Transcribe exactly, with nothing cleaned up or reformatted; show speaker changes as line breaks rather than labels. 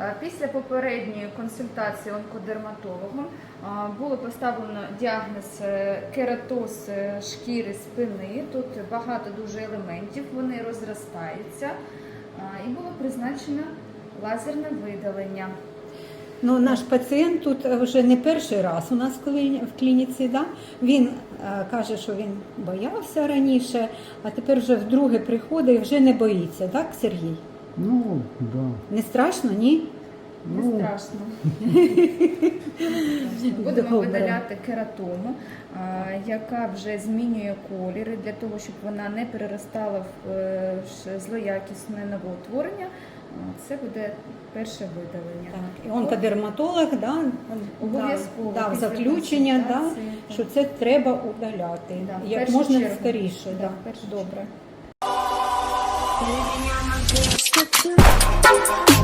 Після попередньої консультації онкодерматологом було поставлено діагноз кератоз шкіри спини. Тут багато дуже елементів, вони розростаються. І було призначено лазерне видалення.
Ну, наш пацієнт тут вже не перший раз у нас в клініці. Да? Він е, каже, що він боявся раніше, а тепер вже вдруге приходить і вже не боїться, так, Сергій?
Ну, да.
Не страшно, ні?
Не
Ну,
страшно. Будемо
Добре.
видаляти кератому, яка вже змінює колір, для того, щоб вона не переростала в е, злоякісне новоутворення. Це буде перше видалення.
Так. І онкодерматолог да,
Обов'язково
дав
після
заключення, да,
консультації,
що це треба удаляти.
Да, в
Як
першу
можна
чергу.
скоріше.
Да,
Да.
в першу
Добре.
Living on my best.